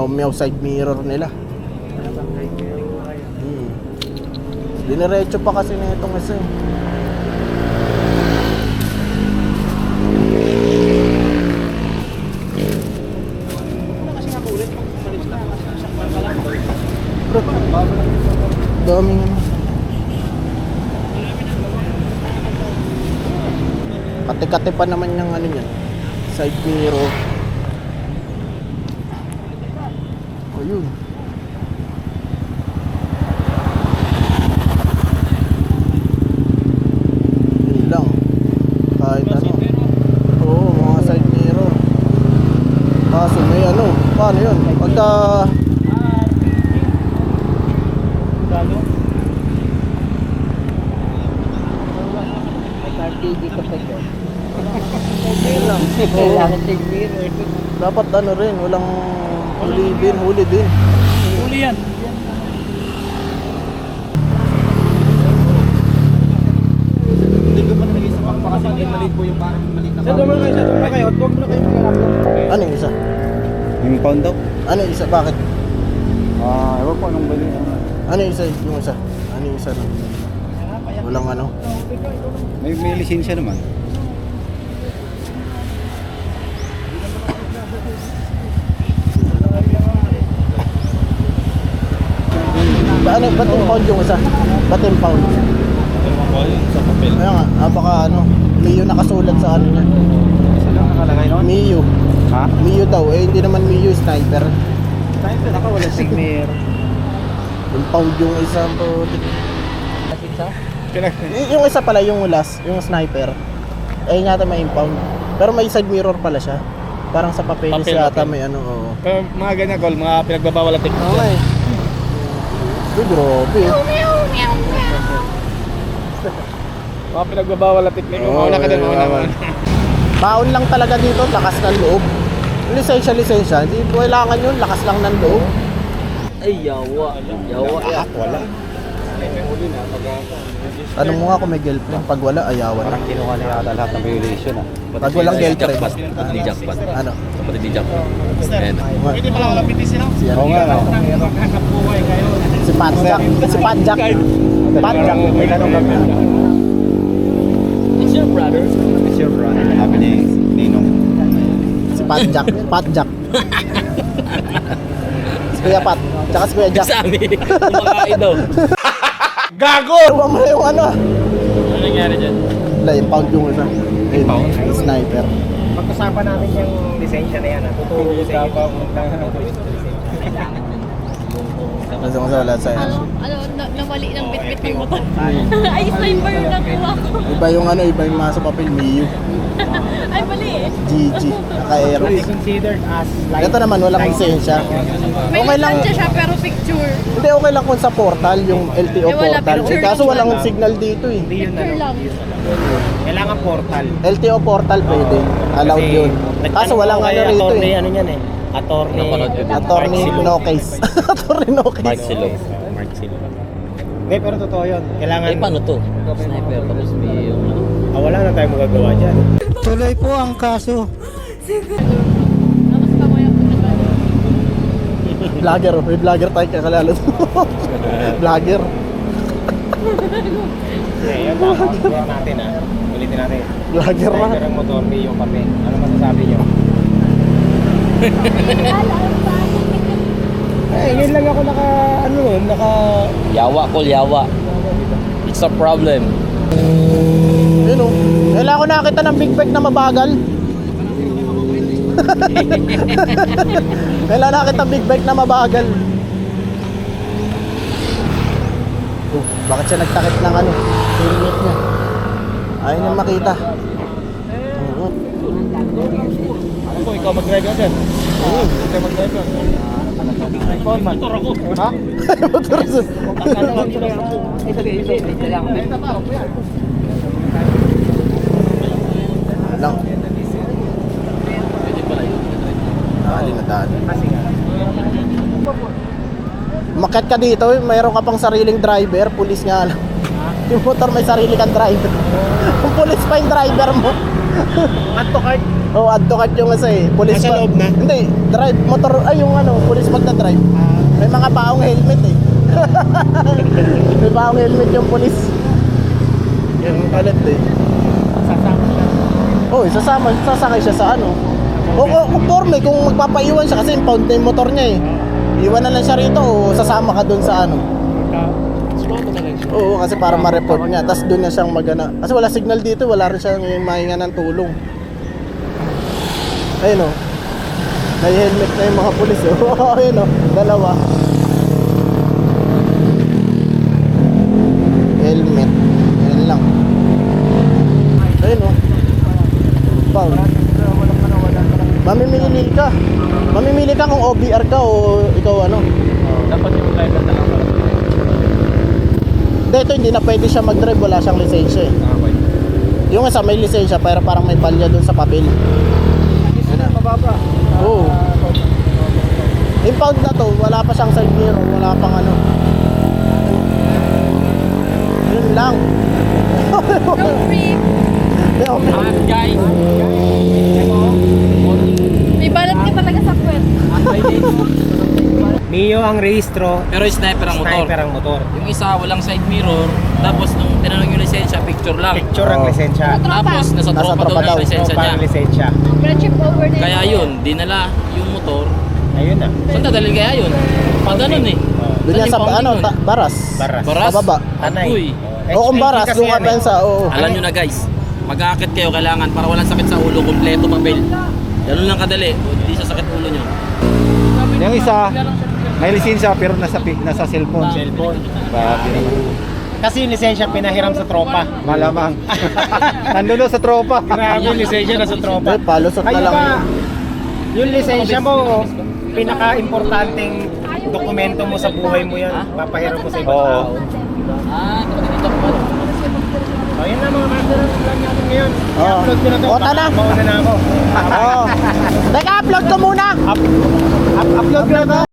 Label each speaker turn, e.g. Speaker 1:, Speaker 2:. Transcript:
Speaker 1: Meow side mirror nila. Diniretso pa kasi na itong isa eh. Daming ano. Kate-kate pa naman yung ano niyan. Side mirror. Ayun. Yun lang. Kahit ano. Oo, mga side mirror. Kaso may ano. Paano yun? Pagka
Speaker 2: dito pa yun.
Speaker 1: kailangan side mirror. Dapat ano rin, walang huli din.
Speaker 3: Huli yan.
Speaker 2: Hindi ko pa nalagay sa pakpa kasi hindi maliit po yung parang maliit na pakpa. Huwag mo na kayo mag-alap.
Speaker 1: Ano yung isa?
Speaker 4: Yung pound daw?
Speaker 1: Ano yung isa? Bakit?
Speaker 4: Ewan po anong bali.
Speaker 1: Ano yung isa? Yung isa? Ano yung isa? Walang ano?
Speaker 4: May lisensya naman.
Speaker 1: Ba't impound yung isa? Ba't impound?
Speaker 4: Sa papel.
Speaker 1: Kaya nga, baka ano, Mio nakasulat sa ano niya.
Speaker 4: Saan ang nakalagay noon?
Speaker 1: Mio.
Speaker 4: Ha?
Speaker 1: Mio daw, hindi naman Mio sniper.
Speaker 4: Sniper, naka wala signer.
Speaker 1: Impound yung isa po. Yung isa pala, yung last, yung sniper. Yun yata may impound. Pero may side mirror pala siya. Parang sa papeles yata may ano. Oo.
Speaker 4: Pero mga ganyan call, mga pinagbabawal at technique.
Speaker 1: Okay. Uy, grabe.
Speaker 4: Mga pinagbabawal at technique.
Speaker 1: Oo,
Speaker 4: Mauna ka din, mauna ka.
Speaker 1: Baon lang talaga dito, lakas ng loob. Lisensya. Hindi kailangan yun, lakas lang ng loob.
Speaker 2: Ay, yawa.
Speaker 4: Lahat wala.
Speaker 1: Ano mo nga kung may girlfriend, pag wala, ayawan na.
Speaker 4: Parang kinuha na yata lahat ng violation ah.
Speaker 1: Pag walang girlfriend.
Speaker 2: Pati jackpot.
Speaker 1: Ano?
Speaker 2: Pati jackpot. And
Speaker 3: Pwede pala wala pitisin ako.
Speaker 4: Oo nga no.
Speaker 1: Si Patjack. Patjack.
Speaker 4: May tanong kami.
Speaker 2: it's your brother.
Speaker 4: It's your brother. Sabi ni Ninong.
Speaker 1: Si Patjack. Si Kuya Pat. Tsaka si Kuya Jack.
Speaker 2: Sabi, kumakain daw.
Speaker 1: Gago! Huwag mo na yung ano.
Speaker 2: Ano nangyari dyan?
Speaker 1: Wala, impound yung isa.
Speaker 4: Impound?
Speaker 1: Sniper.
Speaker 5: Pag-usapan natin yung lisensya na yan. Tuturo ko sa iyo kung
Speaker 1: Kasi kung sa wala sa'yo.
Speaker 6: Nawali ng bit-bit ng motor. Ay, sniper yung nakuha ko.
Speaker 1: Iba yung ano, iba yung mga sa papel, Mio.
Speaker 6: Ay, mali eh.
Speaker 1: GG. Naka-aero.
Speaker 5: considered as
Speaker 1: Ito naman, walang lisensya.
Speaker 6: May
Speaker 1: Okay lang.
Speaker 6: lisensya siya pero picture.
Speaker 1: Hindi, okay lang kung sa portal, yung LTO
Speaker 6: Eh, wala,
Speaker 1: portal.
Speaker 6: picture
Speaker 1: Kaso
Speaker 6: lang
Speaker 1: walang
Speaker 6: siya.
Speaker 1: signal dito eh.
Speaker 6: Picture lang.
Speaker 5: kailangan portal.
Speaker 1: LTO portal pwede. Allowed yun. Kaso walang ano rito eh.
Speaker 5: Ano yan eh. Attorney.
Speaker 1: Attorney no case. Attorney no
Speaker 2: Mark
Speaker 1: case.
Speaker 2: Silo. Mark Silo.
Speaker 5: Hindi, pero totoo yun. Kailangan...
Speaker 2: Eh, paano to? Sniper, tapos may yung ano.
Speaker 5: wala na tayong magagawa dyan.
Speaker 4: Tuloy po ang kaso.
Speaker 6: Tapos kamaya ko na ba?
Speaker 1: Vlogger, may vlogger tayo kakalala. Vlogger.
Speaker 5: Ngayon, pakakagawa natin Ulitin natin.
Speaker 1: Vlogger na.
Speaker 5: Sniper ang motor, may yung kape. Ano masasabi nyo? Ngayon lang ako naka...
Speaker 2: Yawa, call yawa. It's a problem.
Speaker 1: Yun o. Kailangan ko nakita ng big bag na mabagal. Kailangan nakita big bag na mabagal. Bakit siya nagtakip ng ano? Helmet niya. Ayaw niya makita. Oo.
Speaker 5: Ano po, ikaw mag-drive ka dyan? Ikaw mag-drive ka. Motor ako.
Speaker 1: Ha? Motor sa... Lang. Dali na dali. Umakyat ka dito, mayroon ka pang sariling driver, pulis nga lang. Yung motor may sarili kang driver. Kung pulis pa yung driver mo.
Speaker 5: Add to cart.
Speaker 1: Oh, add to cart yung isa eh. Police
Speaker 2: Nasa loob na?
Speaker 1: Hindi, drive motor ay yung ano, police pag na-drive. May mga baong helmet eh. May baong helmet yung police. Yung kalit eh. Oh, sasakay siya sa ano. O conforme kung magpapaiwan siya kasi impound na yung motor niya eh. Iwan na lang siya rito o sasama ka dun sa ano. Oo, kasi para ma-report niya. Tapos doon na siyang magana. Kasi wala signal dito, wala rin siyang mahinga ng tulong. Ayun o. May helmet na yung mga pulis o. Ayun o, dalawa. Helmet. Ayun lang. Ayun o. Bang. Mamimili ka. Mamimili ka kung OBR ka o ikaw ano.
Speaker 5: Dapat yung driver na lang.
Speaker 1: Hindi, ito hindi na pwede siya mag-drive, wala siyang lisensya eh. Yung isa may lisensya pero parang may palya dun sa papel.
Speaker 5: Mababa.
Speaker 1: Oo. Impound na to, wala pa siyang side mirror, wala pang ano. Yun lang.
Speaker 6: Road trip.
Speaker 3: Guys,
Speaker 6: May balat ka talaga sa puwet.
Speaker 2: Mio ang rehistro,
Speaker 3: pero sniper ang motor.
Speaker 2: sniper ang motor.
Speaker 3: Yung isa walang side mirror, tapos nung tinanong yung lisensya, picture lang.
Speaker 2: Picture ang
Speaker 1: Oh.
Speaker 2: lisensya.
Speaker 3: Tapos nasa
Speaker 1: Nasa
Speaker 3: tropa
Speaker 1: tropa
Speaker 3: daw
Speaker 1: daw.
Speaker 3: yung lisensya
Speaker 2: Tropa
Speaker 3: niya.
Speaker 2: ang lisensya.
Speaker 6: Friendship over na
Speaker 3: Kaya yun, dinala yung motor.
Speaker 2: Ayun na.
Speaker 3: Saan dadalhin kaya yun? Pag ganun eh.
Speaker 1: Doon yan sa
Speaker 3: Saan yung
Speaker 1: ano,
Speaker 3: pounding nun?
Speaker 1: baras.
Speaker 2: Baras.
Speaker 3: Baras?
Speaker 1: Pababa.
Speaker 2: Tanay.
Speaker 3: Uy.
Speaker 1: O kung baras,
Speaker 2: kasi
Speaker 1: doon ka
Speaker 2: yan
Speaker 1: pensa, oo.
Speaker 3: Alam nyo na guys, mag-aakit kayo kailangan para walang sakit sa ulo, kompleto papel. Ganun lang kadali, hindi sa sakit ulo nyo.
Speaker 4: Yung isa, may lisensya pero nasa cellphone.
Speaker 2: Cellphone.
Speaker 4: Grabe naman.
Speaker 2: Kasi yung lisensya pinahiram sa tropa.
Speaker 4: Malamang. Nandun doon sa tropa.
Speaker 2: Grabe yung lisensya na sa tropa.
Speaker 1: Eh, palusot na
Speaker 2: Ayun
Speaker 1: lang.
Speaker 2: ba, yung lisensya mo, pinaka-importanting dokumento mo sa buhay mo yan. Papahiram mo sa ibang
Speaker 4: Oo.
Speaker 2: tao.
Speaker 3: Dito po.
Speaker 2: O yun na mga master ng plan natin ngayon.
Speaker 1: Oo.
Speaker 2: I-upload ko na to.
Speaker 1: O, tara.
Speaker 2: Mauna na ako.
Speaker 1: Oo. Teka, upload ko muna.
Speaker 2: Upload ko na to.